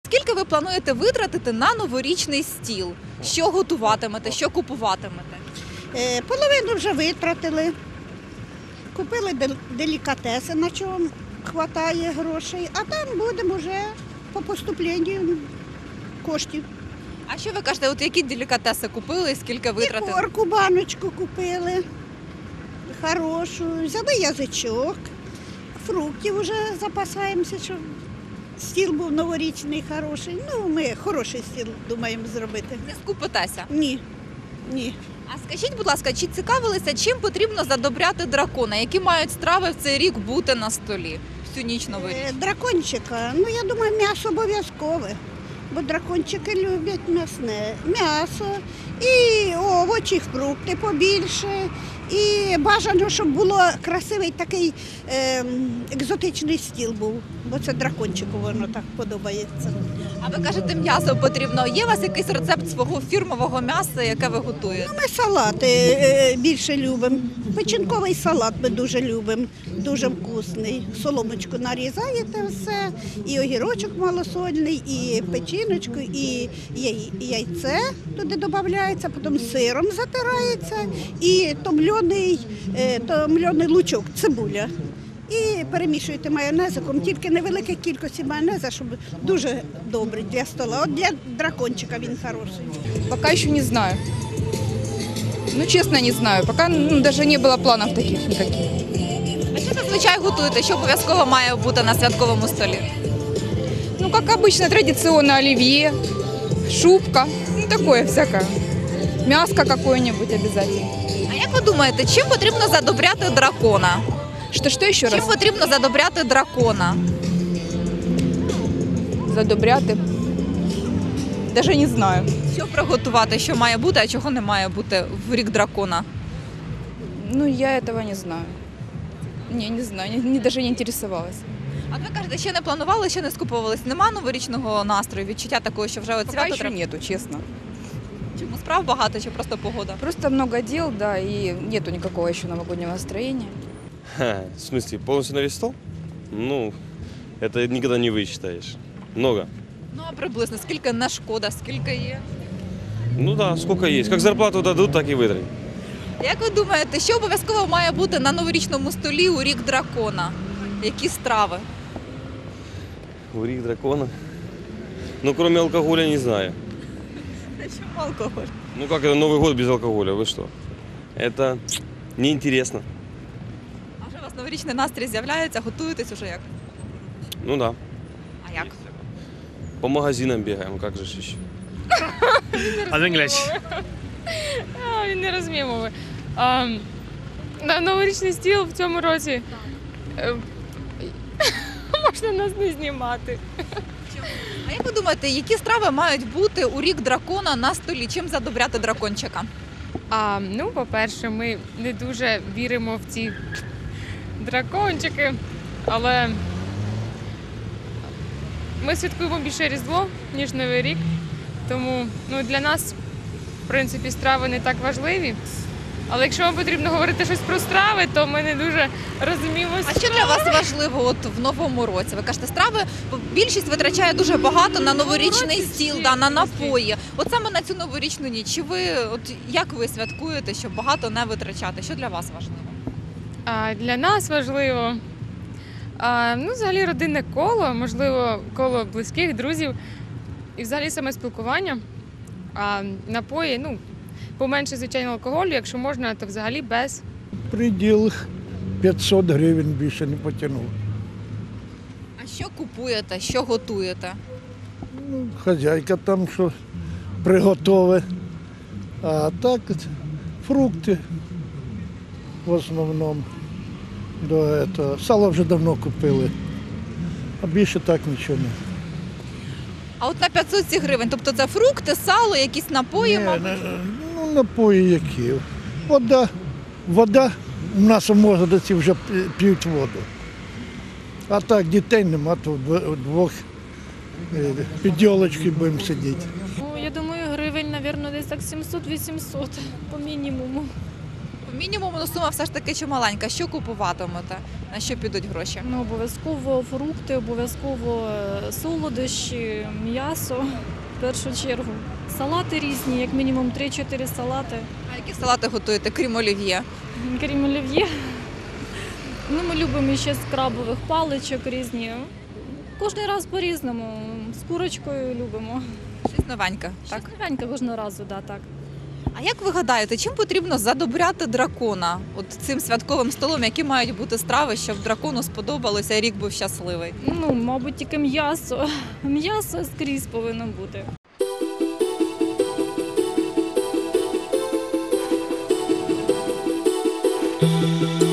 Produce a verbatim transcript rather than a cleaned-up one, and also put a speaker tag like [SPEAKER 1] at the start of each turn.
[SPEAKER 1] Скільки ви плануєте витратити на новорічний стіл? Що готуватимете, що купуватимете?
[SPEAKER 2] Е, Половину вже витратили. Купили дел- делікатеси, на чому вистачає грошей, а там будемо вже по поступленню коштів.
[SPEAKER 1] А що ви кажете, от які делікатеси купили і скільки витратили?
[SPEAKER 2] Ікорку, баночку купили, хорошу, взяли язичок, фруктів вже запасаємося, щоб стіл був новорічний, хороший. Ну, ми хороший стіл думаємо зробити.
[SPEAKER 1] Не скупитеся.
[SPEAKER 2] Ні, ні.
[SPEAKER 1] А скажіть, будь ласка, чи цікавилися, чим потрібно задобряти дракона? Які мають страви в цей рік бути на столі всю ніч
[SPEAKER 2] Е,
[SPEAKER 1] новорічну?
[SPEAKER 2] Дракончика, ну я думаю, м'ясо обов'язкове, бо дракончики люблять м'ясне. М'ясо і овочі, фрукти побільше. І бажано, щоб було красивий такий е, екзотичний стіл був, бо це дракончику воно так подобається.
[SPEAKER 1] А ви кажете, м'ясо потрібно. Є у вас якийсь рецепт свого фірмового м'яса, яке ви готуєте?
[SPEAKER 2] Ми салати е, більше любимо. Печінковий салат ми дуже любимо, дуже вкусний. Соломочку нарізаєте все, і огірочок малосольний, і печіночку, і яй- яйце туди додається, потім сиром затирається, і томльоний, е, томльоний лучок, цибуля. І перемішуєте майонезиком, тільки невелика кількість майонеза, щоб дуже добре для стола. От для дракончика він хороший.
[SPEAKER 3] Пока еще не знаю. Ну, честно, не знаю. Пока ну, даже не было планов таких никаких.
[SPEAKER 1] А що зазвичай готуєте? Що обов'язково має бути на святковому столі?
[SPEAKER 3] Ну, как обычно, традиционно оливье, шубка, ну, такое всякое. Мяско какое-нибудь обязательно.
[SPEAKER 1] А як ви думаєте, чим потрібно задобряти дракона?
[SPEAKER 3] Что-что еще
[SPEAKER 1] Чим
[SPEAKER 3] раз?
[SPEAKER 1] потрібно задобряти дракона?
[SPEAKER 3] Задобряти. Даже не знаю.
[SPEAKER 1] Що приготувати, що має бути, а чого не має бути в рік дракона?
[SPEAKER 3] Ну, я этого не знаю. Не, не знаю, не, не- даже не интересовалась.
[SPEAKER 1] А ви кажете, ще не планували, ще не скуповувались? Нема новорічного настрою, відчуття такого, що вже от
[SPEAKER 3] Пока
[SPEAKER 1] свято
[SPEAKER 3] еще
[SPEAKER 1] треба?
[SPEAKER 3] нету, честно.
[SPEAKER 1] Чому справ багато, чи просто погода?
[SPEAKER 3] Просто много дел, да, и нету никакого еще новогоднего настроения.
[SPEAKER 4] Ха, в смысле, полностью на весь стол? Ну, это никогда не высчитаешь. Много.
[SPEAKER 1] Ну а приблизно скільки не шкода, скільки є?
[SPEAKER 4] Ну да, сколько есть. Как зарплату дадут, так и вытрать.
[SPEAKER 1] Як ви думаєте, що обов'язково має бути на новорічному столі у рік дракона? Які страви?
[SPEAKER 4] Урик дракона. Ну, кроме алкоголя, не знаю.
[SPEAKER 1] Чому алкоголь?
[SPEAKER 4] Ну, как это Новый год без алкоголя? Вы что? Это неинтересно.
[SPEAKER 1] А вже у вас новорічний настрій з'являється, готуєтесь уже як?
[SPEAKER 4] Ну да.
[SPEAKER 1] А як?
[SPEAKER 4] По магазинам бегаем, как же ж еще.
[SPEAKER 5] А в English.
[SPEAKER 6] А, він не розуміє мови. А, на новорічний стіл в цьому році е, можна нас не знімати.
[SPEAKER 1] А як ви думаєте, які страви мають бути у рік дракона на столі? Чим задобряти дракончика?
[SPEAKER 6] А, ну, по-перше, ми не дуже віримо в ці дракончики, але ми святкуємо більше Різдво, ніж Новий рік. Тому ну, для нас, в принципі, страви не так важливі. Але якщо вам потрібно говорити щось про страви, то ми не дуже розуміємо.
[SPEAKER 1] А що для вас важливо от в новому році? Ви кажете, страви більшість витрачає дуже багато на новорічний
[SPEAKER 6] році
[SPEAKER 1] стіл,
[SPEAKER 6] всі
[SPEAKER 1] да, на
[SPEAKER 6] різні.
[SPEAKER 1] напої. От саме на цю новорічну ніч. Чи ви от як ви святкуєте, щоб багато не витрачати? Що для вас важливо?
[SPEAKER 6] А для нас важливо, а, ну, взагалі, родинне коло, можливо, коло близьких, друзів і взагалі саме спілкування. А напої, ну, поменше, звичайно, алкоголю, якщо можна, то взагалі без.
[SPEAKER 7] Приділ п'ятсот гривень більше не потягнув.
[SPEAKER 1] А що купуєте, що готуєте?
[SPEAKER 7] Ну, хазяйка там що приготове. А так фрукти в основному. До этого. Сало вже давно купили. А більше так нічого не.
[SPEAKER 1] А от на п'ятсот гривень, тобто це фрукти, сало, якісь напої,
[SPEAKER 7] Ні,
[SPEAKER 1] мабуть?
[SPEAKER 7] не- ну, напої які. Вода. Вода. У нас у Мозгороді вже п'ють- п'ють воду. А так дітей нема, то вдво- вдвох е, під йолочкою будемо сидіти.
[SPEAKER 8] Ну, я думаю, гривень, мабуть, десь так сімсот-вісімсот по мінімуму.
[SPEAKER 1] Мінімум, ну, сума все ж таки чималенька. Що купуватимете? На що підуть гроші?
[SPEAKER 8] Ну, обов'язково фрукти, обов'язково е, солодощі, м'ясо в першу чергу. Салати різні, як мінімум три-чотири салати.
[SPEAKER 1] А які салати готуєте, крім олів'є?
[SPEAKER 8] Крім олів'є. Ну, ми любимо ще з крабових паличок різні. Кожен раз по-різному. З курочкою любимо.
[SPEAKER 1] Щось новеньке, так?
[SPEAKER 8] Так, новеньке кожного разу, да, так.
[SPEAKER 1] А як ви гадаєте, чим потрібно задобряти дракона? От цим святковим столом, які мають бути страви, щоб дракону сподобалося і рік був щасливий?
[SPEAKER 8] Ну, мабуть, тільки м'ясо. М'ясо скрізь повинно бути.
[SPEAKER 9] Thank you.